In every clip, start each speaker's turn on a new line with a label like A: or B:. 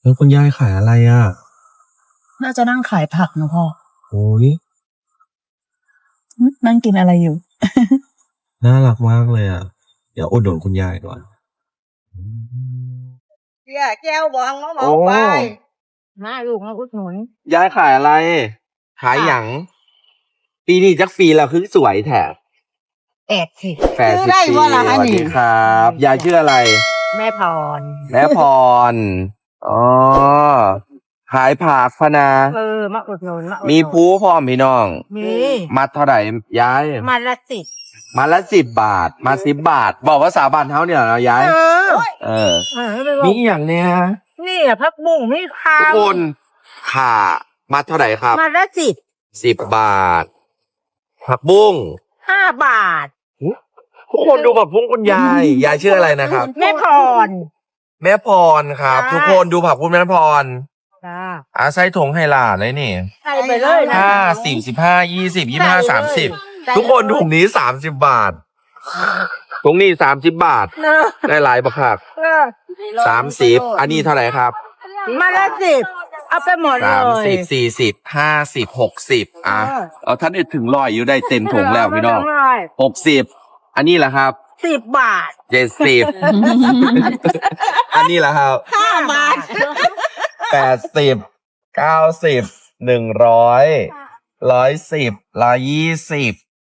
A: แล้วคุณยายขายอะไรอ่ะ
B: น่าจะนั่งขายผักนะพ่อ
A: โอ้ย
B: นั่งกินอะไรอยู่
A: น่ารักมากเลยอ่ะ เดี๋ยวอุดหนุนคุณยายก่อนอืม
C: แก้วบองมาเหมา
A: โอ้
C: ไปมาลูกมาอุดหนุน
A: ยายขายอะไร ขายหยัง ปีนี้จักปีแล้วคือสวยแถบ
C: สิ
A: แปด
C: ซื้อ
A: สิบ
C: ได้
A: ปี
C: ว่าละ
A: ส
C: ฮะ
A: วัส
C: นี่
A: ดีครับ ยายชื่ออะไร
C: แม่พร
A: แม่พร อ๋อ ขายผักพะนา
C: มาอุดหนุนมาอุดหนุน
A: มีผู้พร้อมพี่น้อง
C: มี
A: มัดเท่าไหร่ยาย
C: มาละ10
A: มาละ10 บาท มา10 บาท บอกว่า3 บาทเท่าเนี่ยนะยาย เออ
C: ไม่บอก
A: มีอหย่างเนี้ย
C: นี่อะพักบุ้งไม่ข้า
A: ทุก
C: ว
A: คนค่ะมัดเท่าไหร่ครับ
C: มาละ
A: 10 บาท ผักบุ้ง
C: 5 บาท
A: ทุกคนดูผักบุ้งคุณยาย ยายชื่ออะไรนะครับ
C: แม่พร
A: แม่พรครับ
C: จ้า
A: ทุกคนดูผักบุ้งแม่พร
C: จ้า
A: ใส่ถุงให้หลานเลยนี่
C: ใส่ไปเลยนะ
A: 50 15 20 25 30 ทุกคนถุงนี้30 บาทถุงนี้30 บาท
C: เนอะ
A: ได้หลายบักคัก
C: เออ
A: 30 อันนี้เท่าไหร่ครับ
C: มาละ10เอาไปหมดเลย
A: 30 40 50 60เอาท่านได้ถึง100อยู่ได้เต็มถุงแล้วพี่น้อง 60 อันนี้แหละครับ
C: 10 บาท
A: 70 อันนี้แหละครับ
C: 5 บาท
A: 80 90 100 110 120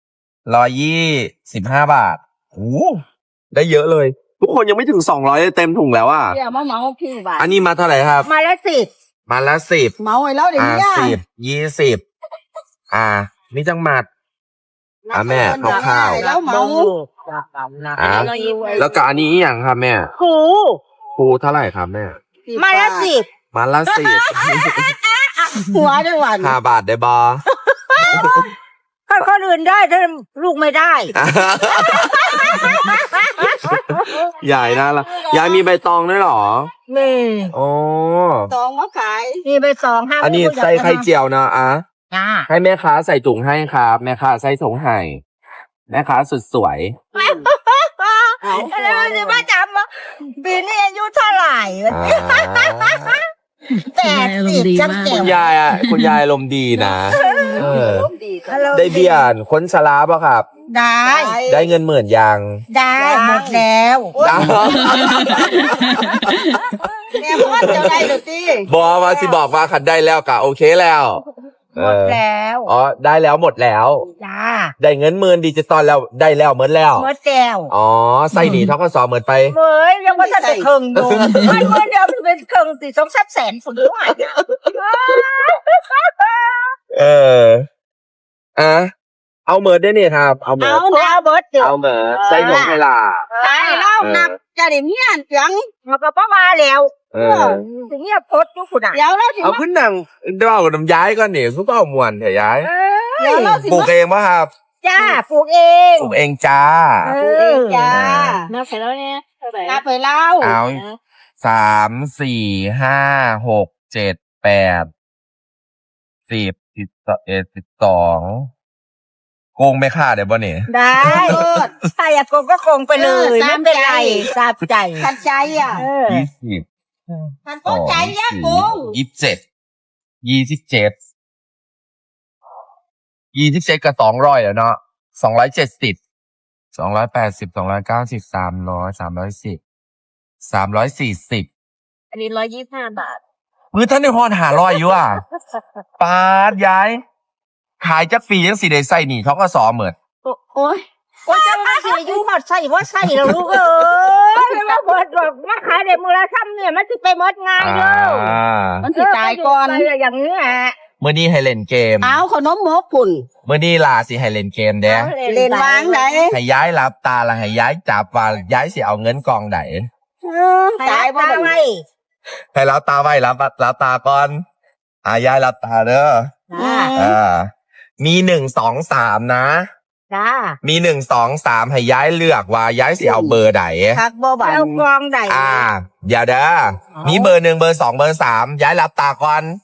A: 125 บาทโอ้ได้เยอะเลย ทุกคนยังไม่ถึง200เลยเต็มถุงแล้วอ่ะ
C: เดี๋ยวมาเหมาพี่บาท
A: อันนี้มาเท่าไหร่ครับ
C: มาละ10
A: มาละ10
C: เหมาให้แล้วเดี๋ยวนี้
A: 10 20มีจังหมัด แม่คร่าวๆ
C: แล้วเหมา
A: แล้วก็อันนี้อหย่างครับแม่
C: ครู
A: ปูเท่าไหร่ครับแม่
C: มาละ10
A: มาละ
C: หัวจังหวัด
A: 10 5 บาทได้บอ
C: คนอื่นได้ถ้าลูกไม่ได้
A: ใหญ่นะละยายมีใบตองด้วยเหรอ
C: นี่
A: โอ้
C: ตองมาขายนี่ไป2 5
A: อันนี้ใส่ไข่เจียวนะ
C: จ้า
A: ให้แม่ค้าใส่ถุงให้ครับแม่ค้าใส่ถุงให้แม่ค้าสุดสวย
C: แล้วจะมาจำว่าปีนี้อายุเท่าไหร่ 80จังเก็
A: คุ
C: บ
A: ณยายคุณยายอารมณ์ดีนะได้เบี้ยนคนชราป่ะครับ
C: ได้
A: ได้เงิน10,000ยัง
C: ได้หมดแล้ว
A: ได้
C: แม่พ่อจะได้หรือตี
A: บอกมาสิบอกว่าขันได้แล้วกะโอเคแล้ว
C: หมดแล้ว
A: อ๋อได้แล้วหมดแล้ว
C: จ้า
A: ได้เงิน10,000ดิจิตอลแล้วได้แล้วหมดแล้ว
C: หมดแล้ว
A: อ๋อใส่หนีทกสเหมือนไป
C: เฮ้ยยังว่าจะเป็นครึ่งอยู่มันเมื่อเดียวเป็นครึ่งติ2-3 แสนฝุ่นด้วย
A: เออเอาเหมือนได้เนี่ยครับ เอาเหมือน
C: เอาแล้วเบิร์ดเดี๋ยว
A: เอาเหมือนใส่นมให้ล่ะ
C: ตายแล้วนับจะได้เมียนจังมันก็ประมาแล้ว
A: เออ
C: ถึงเงียบพดอยู่คุณอ่ะเดี๋ยวเราสิ
A: เอาขึ้นหนังเดี๋ยวเอาน้ำย้ายก่อนนี่ซุปเปอร์มวนเถอะย้าย
C: เดี๋ยวเราสิ
A: ปลูกเองป่ะครับ
C: จ้าปลูกเอง
A: ปลูกเองจ้า
C: จ้านับไปแล้วเนี่ยนับไปแล้ว
A: เอา3 4 5 6 7 8 10 11 12โกงไม่ค่าเดี๋ยวบ่เนี่ย
C: ได้ถ้าอยากโกงก็โกงไปเลยไม่เป็นไรทราบใจทันใจอ่ะ
A: 20
C: ทันต้นใจอ่ะโกง
A: 27 27กับ200แล้วเนาะ270 280 290 300 310 340
C: อันนี้125 บาท
A: มือท่านในพร500อยู่อ่ะปาดย้ายขายจักฟรียังสิได้ใส่หนีเขาก็สอเหมือน
C: โอ้ยจะมาเสียยุ่งหมดใส่ว่าใส่แล้วลูกเอ้ยมาเบิดแบบมาขายเด็กมือละซ้ำเนี่ยมันจะไปหมดงานเยอะมันสิตายก่อนอย่างนี้อ่ะ
A: เมื่อนี้ให้เล่นเกม
C: เอาขนมหมกปุ่น
A: เมื่อนี้ลาสิให้เล่นเกมเด้
C: เล่นวางไหน
A: ให้ย้ายรับตาละให้ย้ายจับว่าย้ายสิเอาเงินกองไหน
C: ตายบ่ไว้
A: ให้รับตาไว้รับตาก่อนย้ายรับตาเด้อมี1 2 3นะ
C: จ้า
A: มี1 2 3ให้ย้ายเลือกว่าย้ายสิเอาเบอร์ไหน
C: ทักบ่บันเอากองไหน
A: เดี๋ยวเด้อมีเบอร์1เบอร์2เบอร์3ย้ายรับตาก่อน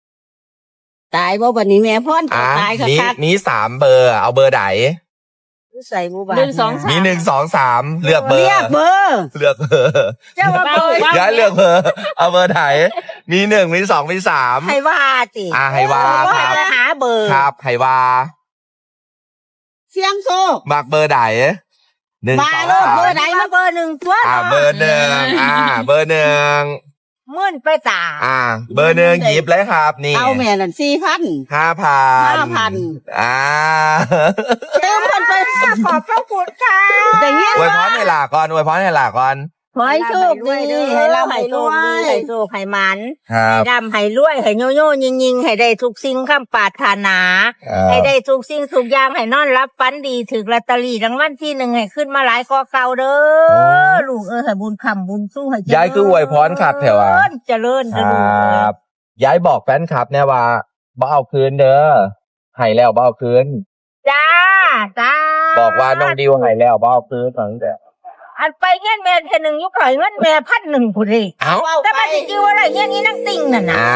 C: ตายบ่บันนี้แม่พ่อนตายค่ะ
A: มี3 เบอร์เอาเบอร์ไหน
C: ใส่บูบา
A: มี 1 2 3เลือกเบอร์
C: เรียกเบอร์
A: เลือกเบอร์
C: เจ้าว่าเบอร์
A: ย้ายเลือกเบอร์เอาเบอร์ไหนมี 1 มี 2 มี 3
C: ให้ว่าสิ
A: ให้ว่าครับ
C: จะหาเบอร์
A: ครับให้ว่า
C: เสียงโซ
A: มักเบอร์ไหน1
C: มา
A: 2
C: โลดเบอร์
A: 3
C: ไหนมาเบอร์หนึ่งตัว
A: เบอร์ 1เบอร์ 1
C: มื่นไปตา
A: เบอร์ 1หยิบเลยครับนี่
C: เอาแม่นั่น4,000
A: 5,000
C: เติมเพิ่นไปขอบพระคุณค่ะแต่เงี้ย
A: อวยพรให้หลาก่อนอวยพรให้หลาก่อน
C: ขอให้โชคดีให้เราให้รวยให้โชคให้มัน
A: ครับ
C: ให้ร่ำให้รวยให้โยโย่ยิงๆให้ได้ทุกสิ่งคำปรารถนาให้ได้ทุกสิ่งทุกอย่างให้นอนรับฝันดีถึกลอตเตอรี่รางวัลที่ 1ให้ขึ้นมาหลายกอเก่าเด้อลูกให้บุญคำบุญสู้ให้เจริญ
A: ยายคืออวยพรครับแถว
C: เจริญ
A: ค
C: เด้อ
A: ร
C: ลูกั
A: บยายบอกแฟนคลับเนี่ยว่าบ่เอาคืนเด้อให้แล้วบ่เอาคืน
C: จ้า
A: บอกว่าน้องดิวให้แล้วบ่เอาคืนตั้งแต่
C: อันไปเงี้ยแม่เทนึงยุคข่อยเงินแม่1,000ผู้ใด
A: เอ้า
C: แต่มันสิชื่อว่าอะไรเงี้ยนี่นั่งติ่งน่ะนะ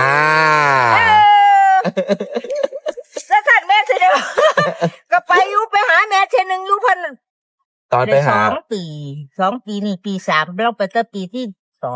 C: แล้วขันแม่เสด็จก็ไปอยู่ไปหาแม่เทนึงอยู่พัน
A: ตอนไปหา
C: 2 ปีนี่ปี 3เราไปตั้งปีที่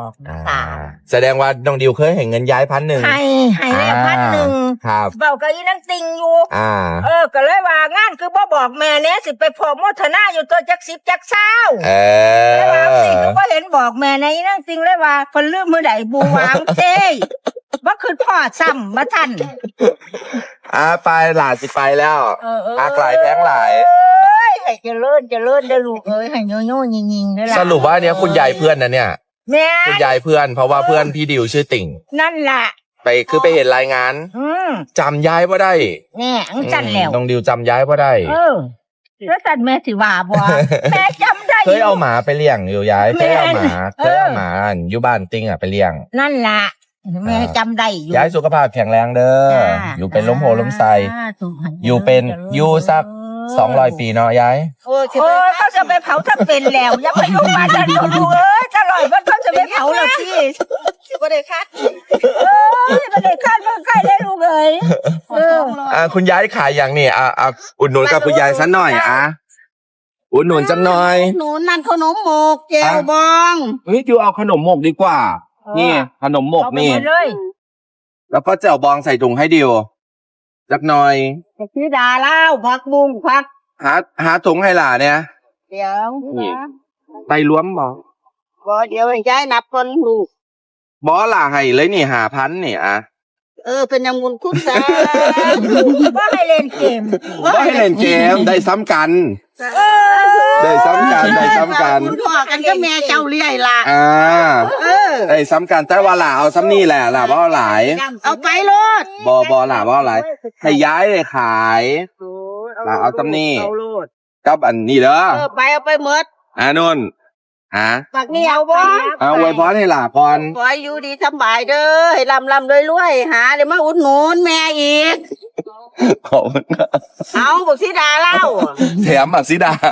C: 2 3
A: แสดงว่าน้องดิวเคยเห็นเงินย้าย1,000
C: ให้แม่1,000
A: ครับ
C: เบากับอีนั่งติ่งอยู่ ก็เลยว่างานคือบ่บอกแม่เนี้ยสิไปพอโมทนาอยู่ตัวจัก10จัก20แล้วว่าสิก็บ่เห็นบอกแม่ในอีนั่งติ่งเลยว่าเพิ่นลืมมื้อใดบูวางเจ้บ่คือพ่อซ้ำบ่ทัน
A: ไปหลานสิไปแล้วหลายแพงหลาย
C: ให้เจริญเด้อลูกเอ้ยให้โยโย่ยิงๆเด้อล่ะ
A: สรุปว่าเนี้ยคุณยายเพื่อนนะเนี่ย
C: แม่
A: คุณยายเพื่อนเพราะว่าเพื่อนพี่ดิวชื่อติ่ง
C: นั่นล่ะ
A: ไปเห็นรายงานจำย้ายบ่ได้
C: แม่อังจันแล้ว
A: น้องดิวจำย้ายบ่ได้
C: แล้วจันแม่สิว่าบ่แม่จำได้
A: เคยเอาหมาไปเลี้ยงอยู่ย้ายเคยเอาหมาอยู่บ้านติ่งไปเลี้ยง
C: นั่นล่ะแม่จำได้อยู่
A: ย้ายสุขภาพแข็งแรงเด้ออยู่เป็นล้มโพล้มไซอยู่เป็นอยู่สัก200 ปีเนาะย้าย
C: โอ้เขาจะไปเผาถ้าเป็นแล้วอย่าไปยุ่งมาจันลูกเอ้ยจะลอยมันเขาจะไปเผาแล้วพี่บ่ได้คาดบ่ได้คาดบ่ใกล้ได้ลูกเอ้ย
A: คุณย้ายขายอย่างนี่อุดหนุนกับคุณยายสักหน่อยอุดหนุนสักหน่อย
C: หนูนั่นขนมหมกแจวบอง
A: เฮ้ยดิวเอาขนมหมกดีกว่านี่ขนมหมกนี่แล้วก็แจ่วบองใส่ถุงให้ดิวสักหน่อย
C: พี่ดาเล่าผักบุ้งผัก
A: หาถุงให้หล่าเนี่ย
C: เดี๋ยว
A: นี่ไตล้มบอก
C: บ่เดี๋ยวย้ายนับคนลูก
A: บอหล่าให้เลยนี่5,000นี่
C: เป็นยังบุญคุณซะบ่ให้เล่นเกม
A: บ่ให้เล่นเกมได้ซ้ำกันได้ซ้ำกัน
C: คุณพ่อกันก็แม่เจ้าเลี้ยล่ะ
A: ได้ซ้ำกันแต่ว่าหล่าเอาซ้ำนี่แหละหล่าบ่เอาหลาย
C: เอาไปโลด
A: บอหล่าบ่เอาหลายให้ย้ายเลยขายหล่าเอาซ้ำนี่กับอันนี้เด้อ
C: ไปเอาไปหมด
A: นุ่น
C: ปักนี่เอาบ่
A: อวยพรให้หล่าก่อน
C: ขอให้อยู่ดีสบายเด้อให้ร่ำรวยหาเดี๋ยวมาอุดหนุนแม่อีก
A: ขอบคุณครับ
C: เอาบอกสิดาเล่า
A: แถมบักซิดา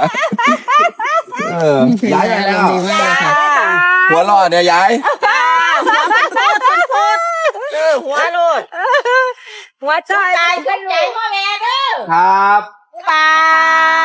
A: ย้ายไปแล้วหัวรอดเนี่ยย้าย
C: หัวโลดหัวใจพ่อแม่เด้อ
A: ครับ
C: บาย